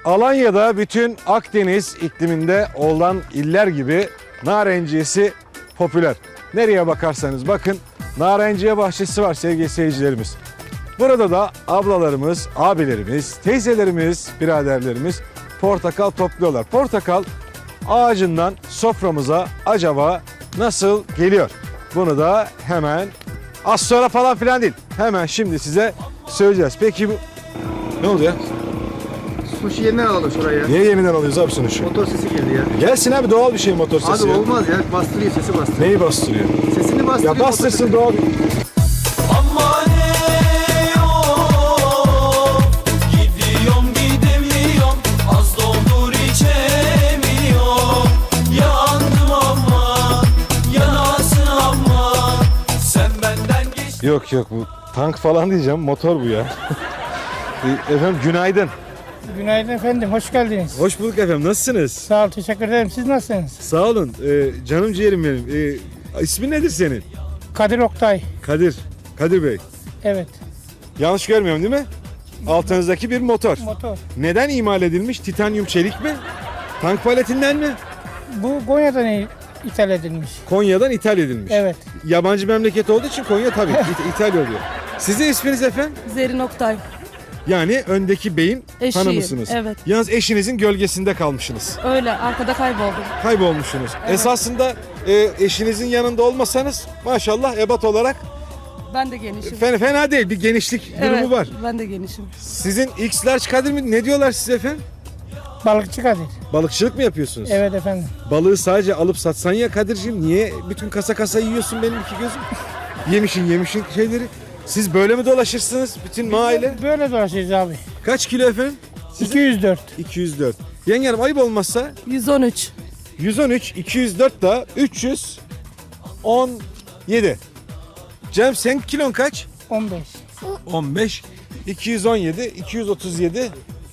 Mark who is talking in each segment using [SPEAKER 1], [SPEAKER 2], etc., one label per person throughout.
[SPEAKER 1] Alanya'da bütün Akdeniz ikliminde olan iller gibi narenciyesi popüler. Nereye bakarsanız bakın narenciye bahçesi var sevgili seyircilerimiz. Burada da ablalarımız, abilerimiz, teyzelerimiz, biraderlerimiz portakal topluyorlar. Portakal ağacından soframıza acaba nasıl geliyor? Bunu da hemen az sonra falan filan değil. Hemen şimdi size söyleyeceğiz. Peki bu ne oldu ya?
[SPEAKER 2] Sushi yeniden alalım şuraya.
[SPEAKER 1] Niye yeniden alıyoruz abi sonuçta?
[SPEAKER 2] Motor sesi girdi ya.
[SPEAKER 1] Gelsin abi doğal bir şey motor sesi.
[SPEAKER 2] Abi
[SPEAKER 1] ya.
[SPEAKER 2] olmaz ya. Bastırıyor, sesi bastırıyor.
[SPEAKER 1] Neyi bastırıyor?
[SPEAKER 2] Sesini bastırıyor.
[SPEAKER 1] Ya bastırsın doğal.
[SPEAKER 3] Aman eyvah, gidiyorum gidemiyorum, az doldur içemiyorum. Yandım ama, yanasın ama, sen benden geç.
[SPEAKER 1] Yok yok bu tank falan diyeceğim motor bu ya. Efendim günaydın.
[SPEAKER 4] Günaydın efendim, hoş geldiniz.
[SPEAKER 1] Hoş bulduk efendim nasılsınız?
[SPEAKER 4] Sağ ol, teşekkür ederim. Siz nasılsınız?
[SPEAKER 1] Sağ olun canım ciğerim benim. İsmin nedir senin?
[SPEAKER 4] Kadir Oktay.
[SPEAKER 1] Kadir Bey.
[SPEAKER 4] Evet,
[SPEAKER 1] Yanlış görmüyorum değil mi? Altınızdaki bir motor.
[SPEAKER 4] motor.
[SPEAKER 1] Neden imal edilmiş? Titanyum çelik mi? Tank paletinden mi?
[SPEAKER 4] Bu Konya'dan ithal edilmiş.
[SPEAKER 1] Konya'dan ithal edilmiş.
[SPEAKER 4] Evet.
[SPEAKER 1] Yabancı memleket olduğu için Konya tabii ithal oluyor. Sizin isminiz efendim?
[SPEAKER 5] Zerrin Oktay.
[SPEAKER 1] Yani öndeki beyin
[SPEAKER 5] Eşiyim,
[SPEAKER 1] hanımısınız.
[SPEAKER 5] evet.
[SPEAKER 1] Yalnız eşinizin gölgesinde kalmışsınız.
[SPEAKER 5] Öyle arkada kayboldum.
[SPEAKER 1] Kaybolmuşsunuz.
[SPEAKER 5] Evet.
[SPEAKER 1] Esasında eşinizin yanında olmasanız maşallah ebat olarak
[SPEAKER 5] Ben de genişim.
[SPEAKER 1] fena değil. Bir genişlik durumu var.
[SPEAKER 5] Ben de genişim.
[SPEAKER 1] Sizin X large Kadir mi? Ne diyorlar size efendim?
[SPEAKER 4] Balıkçı Kadir.
[SPEAKER 1] Balıkçılık mı yapıyorsunuz?
[SPEAKER 4] Evet efendim.
[SPEAKER 1] Balığı sadece alıp satsan ya Kadir'ciğim. Niye bütün kasa yiyorsun benim iki gözüm? yemişin şeyleri. Siz böyle mi dolaşırsınız bütün mahalle?
[SPEAKER 4] Böyle dolaşıyoruz abi.
[SPEAKER 1] Kaç kilo efendim?
[SPEAKER 4] 204.
[SPEAKER 1] 204. Yengenim ayıp olmazsa
[SPEAKER 5] 113.
[SPEAKER 1] 113, 204 da 317. Cem sen kilon kaç?
[SPEAKER 4] 15.
[SPEAKER 1] 15, 217, 237,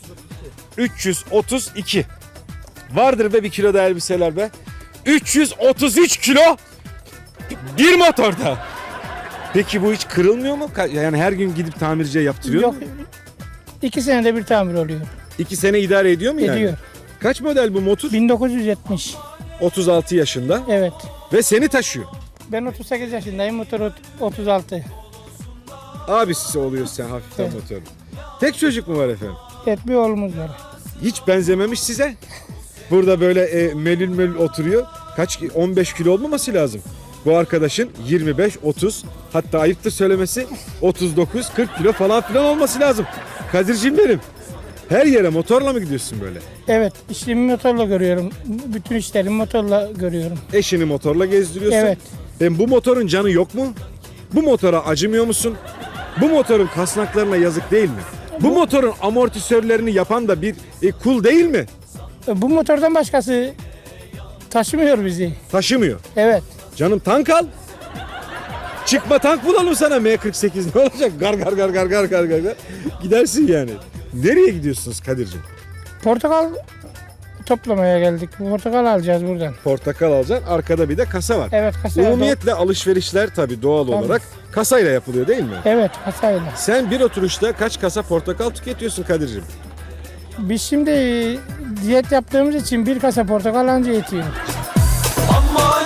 [SPEAKER 1] 332. Vardır be bir kilo da elbiseler be. 333 kilo bir motorda. Peki bu hiç kırılmıyor mu? Yani her gün gidip tamirciye yaptırıyor
[SPEAKER 4] Yok.
[SPEAKER 1] mu?
[SPEAKER 4] 2 senede bir tamir oluyor.
[SPEAKER 1] 2 sene idare ediyor mu yani?
[SPEAKER 4] Ediyor.
[SPEAKER 1] Kaç model bu motor?
[SPEAKER 4] 1970.
[SPEAKER 1] 36 yaşında
[SPEAKER 4] Evet.
[SPEAKER 1] ve seni taşıyor.
[SPEAKER 4] Ben 38 yaşındayım, motor 36.
[SPEAKER 1] Abisi oluyorsun sen hafiften
[SPEAKER 4] Evet.
[SPEAKER 1] motorun. Tek çocuk mu var efendim?
[SPEAKER 4] Evet, bir oğlumuz var.
[SPEAKER 1] Hiç benzememiş size. Burada böyle melül oturuyor. Kaç 15 kilo olmaması lazım. Bu arkadaşın 25, 30 hatta ayıptır söylemesi 39, 40 kilo falan filan olması lazım. Kadir'cim benim. Her yere motorla mı gidiyorsun böyle?
[SPEAKER 4] Evet, işlerimi motorla görüyorum. Bütün işlerimi motorla görüyorum.
[SPEAKER 1] Eşini motorla gezdiriyorsun.
[SPEAKER 4] Evet.
[SPEAKER 1] Bu motorun canı yok mu? Bu motora acımıyor musun? Bu motorun kasnaklarına yazık değil mi? Bu motorun amortisörlerini yapan da bir kul değil mi?
[SPEAKER 4] Bu motordan başkası taşımıyor bizi.
[SPEAKER 1] Taşımıyor.
[SPEAKER 4] Evet.
[SPEAKER 1] Canım tank al. Çıkma tank bulalım sana M48 ne olacak? Gar. Gidersin yani. Nereye gidiyorsunuz Kadir'cim?
[SPEAKER 4] Portakal toplamaya geldik. Portakal alacağız buradan.
[SPEAKER 1] Portakal alacaksın. Arkada bir de kasa var.
[SPEAKER 4] Evet, kasayla.
[SPEAKER 1] Umumiyetle alışverişler tabii doğal olarak kasayla yapılıyor değil mi?
[SPEAKER 4] Evet, kasayla.
[SPEAKER 1] Sen bir oturuşta kaç kasa portakal tüketiyorsun Kadir'cim?
[SPEAKER 4] Biz şimdi diyet yaptığımız için bir kasa portakal anca yetiyor.
[SPEAKER 3] Aman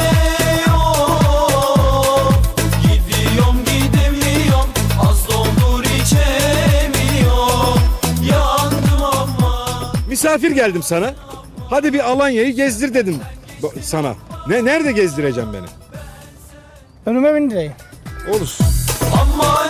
[SPEAKER 3] eyvah, gidiyorum gidemiyorum, az doldur içemiyorum. Yandım ama.
[SPEAKER 1] Misafir geldim sana. Hadi bir Alanya'yı gezdir dedim sana. Nerede gezdireceğim beni?
[SPEAKER 4] Önüme bindireyim.
[SPEAKER 1] Olur.
[SPEAKER 3] Aman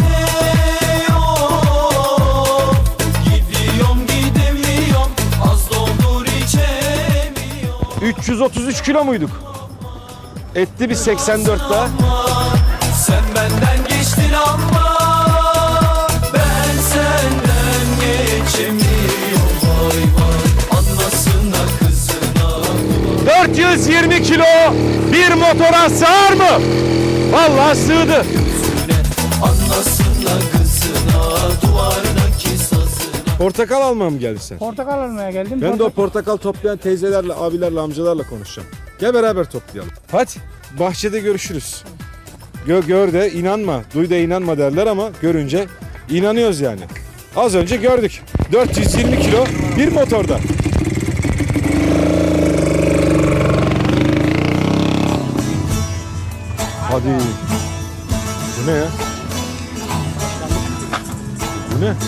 [SPEAKER 3] eyvah, gidiyorum gidemiyorum, az doldur içemiyorum.
[SPEAKER 1] 333 kilo muyduk? Etti bir 84 daha.
[SPEAKER 3] Sen benden geçtin ama ben senden geçemiyorum. Vay vay, anlasına kızına.
[SPEAKER 1] 420 kilo bir motora sığar mı? Vallahi sığdı.
[SPEAKER 3] Anlasına kızına, duvardaki sazına.
[SPEAKER 1] Portakal almaya mı geldin sen?
[SPEAKER 4] Portakal almaya geldim.
[SPEAKER 1] Ben de o portakal toplayan teyzelerle, abilerle, amcalarla konuşacağım. Gel beraber toplayalım. Hadi bahçede görüşürüz. Gör de inanma, duy da inanma derler ama görünce inanıyoruz yani. Az önce gördük. 420 kilo bir motorda. Hadi. Bu ne ya? Bu ne?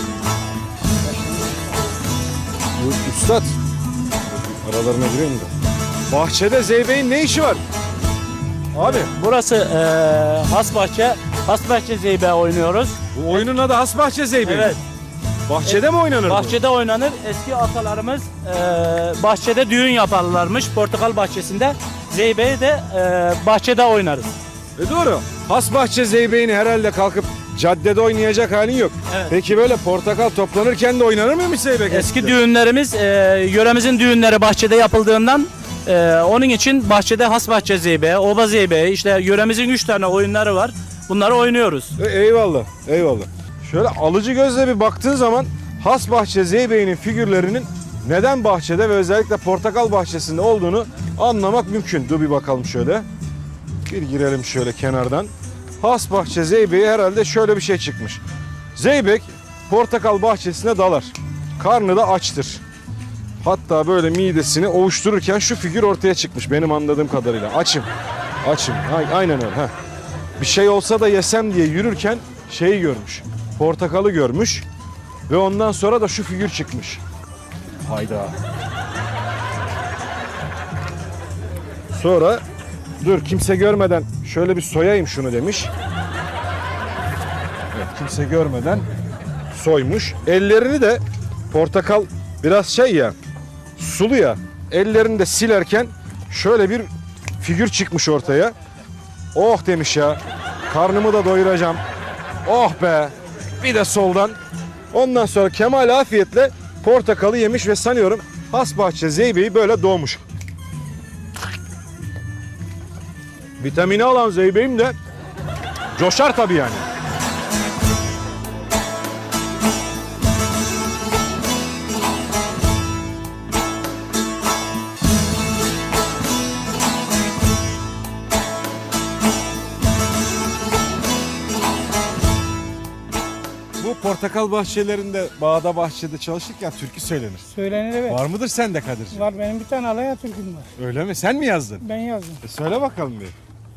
[SPEAKER 1] Bu üstad. Aralarına giriyor mu da? Bahçede Zeybe'nin ne işi var? Abi
[SPEAKER 6] Burası Hasbahçe Zeybe oynuyoruz.
[SPEAKER 1] bu oyunun adı Hasbahçe Zeybe.
[SPEAKER 6] Evet.
[SPEAKER 1] Bahçede mi oynanır bu?
[SPEAKER 6] Bahçede oynanır. Eski atalarımız bahçede düğün yaparlarmış. Portakal bahçesinde. Zeybe'yi de bahçede oynarız.
[SPEAKER 1] Doğru. Hasbahçe Zeybe'ni herhalde kalkıp caddede oynayacak halin yok.
[SPEAKER 6] Evet.
[SPEAKER 1] Peki böyle portakal toplanırken de oynanır mıymış Zeybek?
[SPEAKER 6] Eski düğünlerimiz, yöremizin düğünleri bahçede yapıldığından onun için bahçede Hasbahçe Zeybe, Oba Zeybe, işte yöremizin 3 tane oyunları var. Bunları oynuyoruz.
[SPEAKER 1] Eyvallah, eyvallah. Şöyle alıcı gözle bir baktığın zaman Hasbahçe Zeybe'nin figürlerinin neden bahçede ve özellikle portakal bahçesinde olduğunu anlamak mümkün. Dur bir bakalım şöyle. Bir girelim şöyle kenardan. Hasbahçe Zeybe'ye herhalde şöyle bir şey çıkmış. Zeybek portakal bahçesine dalar. Karnı da açtır. Hatta böyle midesini ovuştururken şu figür ortaya çıkmış benim anladığım kadarıyla. Açım. Açım. Aynen öyle. Heh. Bir şey olsa da yesem diye yürürken şeyi görmüş. Portakalı görmüş. Ve ondan sonra da şu figür çıkmış. Hayda. Sonra dur kimse görmeden şöyle bir soyayım şunu demiş. Evet kimse görmeden soymuş. Ellerini de portakal biraz şey ya sulu ya. Ellerini de silerken şöyle bir figür çıkmış ortaya. Oh demiş ya. Karnımı da doyuracağım. Oh be. Bir de soldan. Ondan sonra kemal afiyetle portakalı yemiş ve sanıyorum Hasbahçe Zeybe'yi böyle doğmuş. Vitamini alan Zeybe'yim de coşar tabii yani. Bu portakal bahçelerinde, bağda bahçede çalışırken türkü söylenir.
[SPEAKER 4] Söylenir evet.
[SPEAKER 1] Var mıdır sende Kadir'ciğim?
[SPEAKER 4] Var benim bir tane alaya türküm var.
[SPEAKER 1] Öyle mi? Sen mi yazdın?
[SPEAKER 4] Ben yazdım.
[SPEAKER 1] Söyle bakalım bir.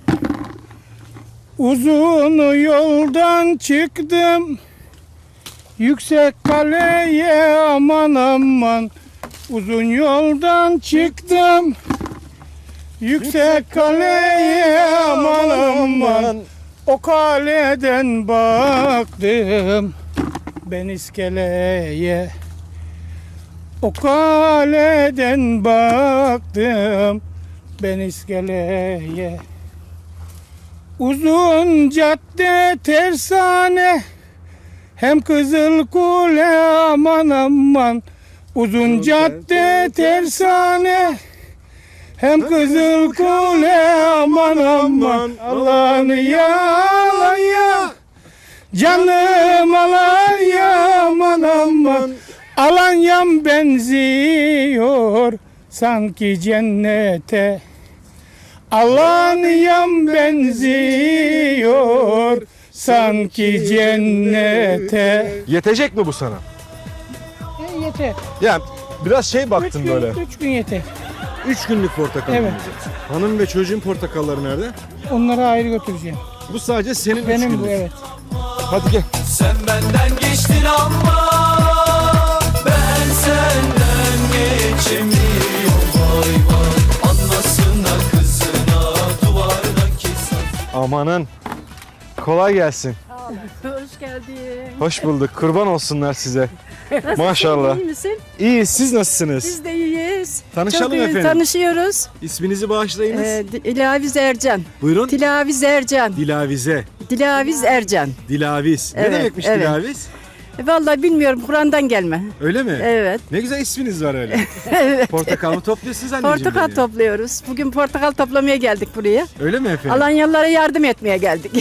[SPEAKER 4] Uzun yoldan çıktım yüksek kaleye aman aman. Uzun yoldan çıktım yüksek kaleye aman aman. O kaleden baktım ben iskeleye. O kaleden baktım ben iskeleye. Uzun cadde tersane hem kızıl kule aman aman. Uzun cadde tersane hem kızıl kule aman aman. Allah'ını yalan ya canım alan ya aman aman. Alanyam benziyor sanki cennete. Alanyam benziyor sanki cennete.
[SPEAKER 1] Yetecek mi bu sana?
[SPEAKER 4] Yeter.
[SPEAKER 1] Yani biraz şey baktın böyle.
[SPEAKER 4] 3 gün yeter.
[SPEAKER 1] 3 günlük portakal.
[SPEAKER 4] Evet.
[SPEAKER 1] Hanım ve çocuğun portakalları nerede?
[SPEAKER 4] Onları ayrı götüreceğim.
[SPEAKER 1] Bu sadece senin 3
[SPEAKER 4] Benim
[SPEAKER 1] günlük.
[SPEAKER 4] bu evet.
[SPEAKER 1] Hadi gel.
[SPEAKER 3] Sen benden geçtin ama ben senden geçemiyorum. Vay vay anlasına kızına duvardaki saz.
[SPEAKER 1] Amanın. Kolay gelsin.
[SPEAKER 7] Hoş geldin.
[SPEAKER 1] Hoş bulduk. Kurban olsunlar size. Maşallah.
[SPEAKER 7] İyi misin?
[SPEAKER 1] İyi. Siz nasılsınız?
[SPEAKER 7] Biz de iyiyiz.
[SPEAKER 1] Tanışalım
[SPEAKER 7] Çok iyi
[SPEAKER 1] efendim.
[SPEAKER 7] Tanışıyoruz.
[SPEAKER 1] İsminizi bağışlayınız.
[SPEAKER 7] Dilaviz Ercan.
[SPEAKER 1] Buyurun.
[SPEAKER 7] Dilaviz Ercan.
[SPEAKER 1] Dilavize.
[SPEAKER 7] Dilaviz Ercan.
[SPEAKER 1] Dilaviz.
[SPEAKER 7] Evet,
[SPEAKER 1] Ne demekmiş
[SPEAKER 7] evet.
[SPEAKER 1] Dilaviz?
[SPEAKER 7] Vallahi bilmiyorum Kur'an'dan gelme.
[SPEAKER 1] Öyle mi?
[SPEAKER 7] Evet.
[SPEAKER 1] Ne güzel isminiz var öyle. Portakal mı topluyorsunuz anneciğim?
[SPEAKER 7] Portakal
[SPEAKER 1] benim?
[SPEAKER 7] topluyoruz. Bugün portakal toplamaya geldik buraya.
[SPEAKER 1] Öyle mi efendim?
[SPEAKER 7] Alanyalılara yardım etmeye geldik.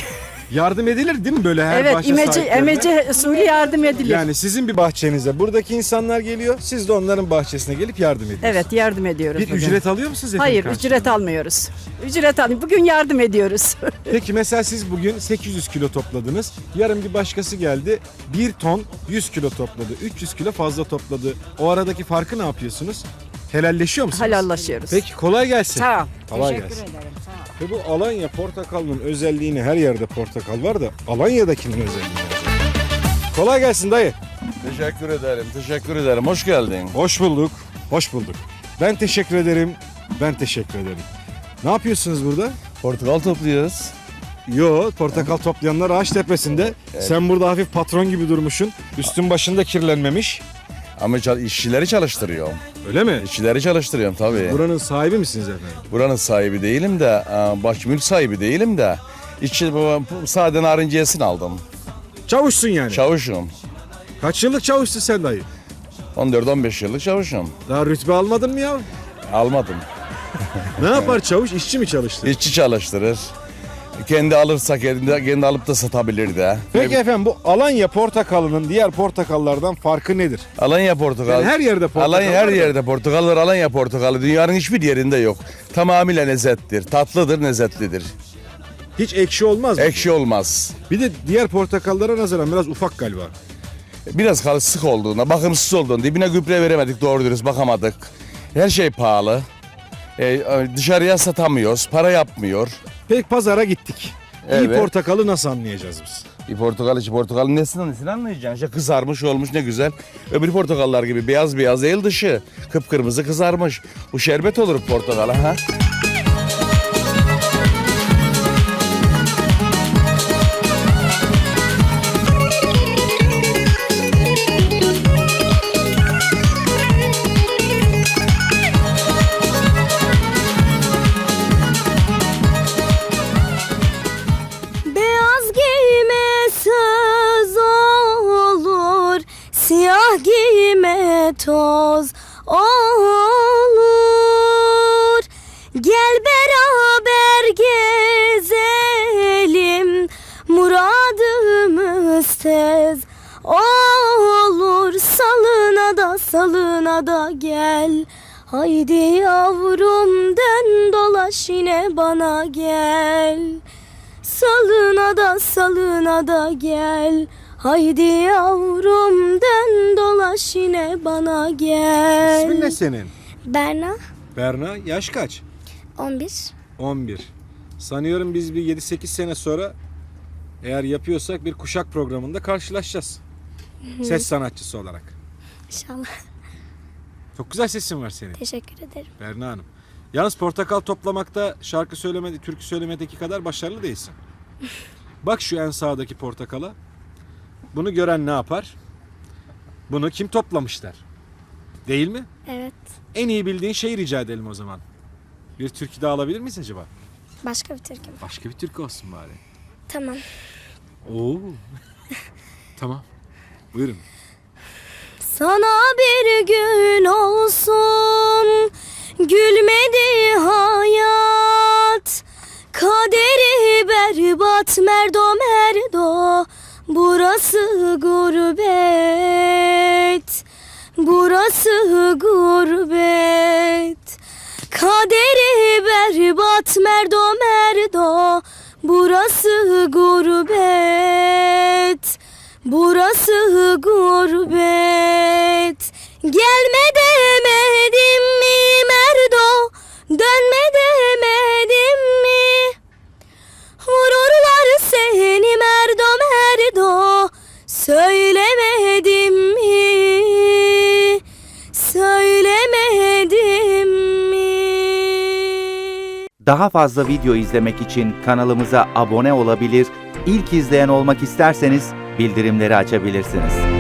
[SPEAKER 1] Yardım edilir değil mi böyle her
[SPEAKER 7] Evet,
[SPEAKER 1] bahçe
[SPEAKER 7] imece,
[SPEAKER 1] sahiplerine?
[SPEAKER 7] emece usulü yardım edilir.
[SPEAKER 1] Yani sizin bir bahçenize buradaki insanlar geliyor, siz de onların bahçesine gelip yardım ediyorsunuz.
[SPEAKER 7] Evet, yardım ediyoruz.
[SPEAKER 1] Bir
[SPEAKER 7] bugün.
[SPEAKER 1] ücret alıyor musunuz efendim?
[SPEAKER 7] Hayır,
[SPEAKER 1] karşılığında?
[SPEAKER 7] ücret almıyoruz. Ücret almıyoruz. Bugün yardım ediyoruz.
[SPEAKER 1] Peki mesela siz bugün 800 kilo topladınız. Yarın bir başkası geldi 1 ton 100 kilo topladı. 300 kilo fazla topladı. O aradaki farkı ne yapıyorsunuz? Helalleşiyor musunuz?
[SPEAKER 7] Helallaşıyoruz.
[SPEAKER 1] Peki kolay gelsin.
[SPEAKER 7] Sağ ol.
[SPEAKER 1] Kolay
[SPEAKER 7] Teşekkür
[SPEAKER 1] gelsin.
[SPEAKER 7] ederim. Sağ ol.
[SPEAKER 1] Ve bu Alanya portakalının özelliğini, her yerde portakal var da Alanya'dakinin özelliğini. Kolay gelsin dayı.
[SPEAKER 8] Teşekkür ederim, teşekkür ederim. Hoş geldin.
[SPEAKER 1] Hoş bulduk. Hoş bulduk. Ben teşekkür ederim. Ben teşekkür ederim. Ne yapıyorsunuz burada?
[SPEAKER 8] Portakal topluyoruz.
[SPEAKER 1] Yo, portakal toplayanlar ağaç tepesinde. Sen burada hafif patron gibi durmuşsun. Üstün başın da kirlenmemiş.
[SPEAKER 8] Ama işçileri çalıştırıyorum.
[SPEAKER 1] Öyle mi?
[SPEAKER 8] İşçileri çalıştırıyorum tabii.
[SPEAKER 1] Buranın sahibi misiniz efendim?
[SPEAKER 8] Buranın sahibi değilim de, baş mülk sahibi değilim de. İşçi, sade narinciyesini aldım.
[SPEAKER 1] Çavuşsun yani.
[SPEAKER 8] Çavuşum.
[SPEAKER 1] Kaç yıllık çavuşsun sen dayı?
[SPEAKER 8] 14-15 yıllık çavuşum.
[SPEAKER 1] Daha rütbe almadın mı ya?
[SPEAKER 8] Almadım.
[SPEAKER 1] Ne yapar çavuş? İşçi mi çalıştı?
[SPEAKER 8] İşçi çalıştırır. Kendi alırsa kendi alıp da satabilir de.
[SPEAKER 1] Peki efendim bu Alanya portakalının diğer portakallardan farkı nedir?
[SPEAKER 8] Alanya portakal.
[SPEAKER 1] Yani her yerde portakal
[SPEAKER 8] Alanya her
[SPEAKER 1] var da.
[SPEAKER 8] yerde portakal var. Alanya portakalı dünyanın hiçbir yerinde yok. Tamamıyla lezzettir. Tatlıdır, lezzetlidir.
[SPEAKER 1] Hiç ekşi olmaz mı?
[SPEAKER 8] Ekşi olmaz.
[SPEAKER 1] Bir de diğer portakallara nazaran biraz ufak galiba.
[SPEAKER 8] Biraz sık olduğunda, bakımsız olduğunda, dibine gübre veremedik, doğru dürüst bakamadık. Her şey pahalı. Dışarıya satamıyoruz, para yapmıyor.
[SPEAKER 1] Peki pazara gittik. İyi
[SPEAKER 8] Evet.
[SPEAKER 1] portakalı nasıl anlayacağız biz?
[SPEAKER 8] Bir portakalın nesini anlayacaksın. İşte kızarmış olmuş ne güzel. Öbür portakallar gibi beyaz beyaz değil dışı. Kıpkırmızı kızarmış. Bu şerbet olur portakala ha.
[SPEAKER 9] Beyaz giyme söz olur, siyah giyme toz olur. Gel beraber gezelim, muradımız tez olur. Salına da gel, haydi yavrum dön dolaş yine bana gel. Salına da gel, haydi yavrum dön dolaş yine bana gel.
[SPEAKER 1] İsmin ne senin?
[SPEAKER 9] Berna,
[SPEAKER 1] Berna. Yaş kaç?
[SPEAKER 9] 11.
[SPEAKER 1] 11. Sanıyorum biz bir 7-8 sene sonra eğer yapıyorsak bir kuşak programında karşılaşacağız. Ses sanatçısı olarak.
[SPEAKER 9] İnşallah.
[SPEAKER 1] Çok güzel sesin var senin
[SPEAKER 9] Teşekkür ederim.
[SPEAKER 1] Berna Hanım. Yalnız portakal toplamakta şarkı söylemedi, türkü söylemedeki kadar başarılı değilsin. Bak şu en sağdaki portakala. Bunu gören ne yapar? Bunu kim toplamış der. Değil mi?
[SPEAKER 9] Evet.
[SPEAKER 1] En iyi bildiğin şeyi rica edelim o zaman. Bir türkü daha alabilir miyiz acaba?
[SPEAKER 9] Başka bir türkü mü?
[SPEAKER 1] Başka bir türkü olsun bari.
[SPEAKER 9] Tamam.
[SPEAKER 1] Oo. Tamam. Buyurun.
[SPEAKER 9] Sana bir gün olsun gülmedi hayat, kaderi berbat merdo, burası gurbet, burası gurbet. Kaderi berbat merdo, burası gurbet, burası gurbet. Gelme demedim mi merdo, dönme demedim mi? Vururlar seni merdo, söylemedim mi? Söylemedim mi?
[SPEAKER 10] Daha fazla video izlemek için kanalımıza abone olabilir, ilk izleyen olmak isterseniz bildirimleri açabilirsiniz.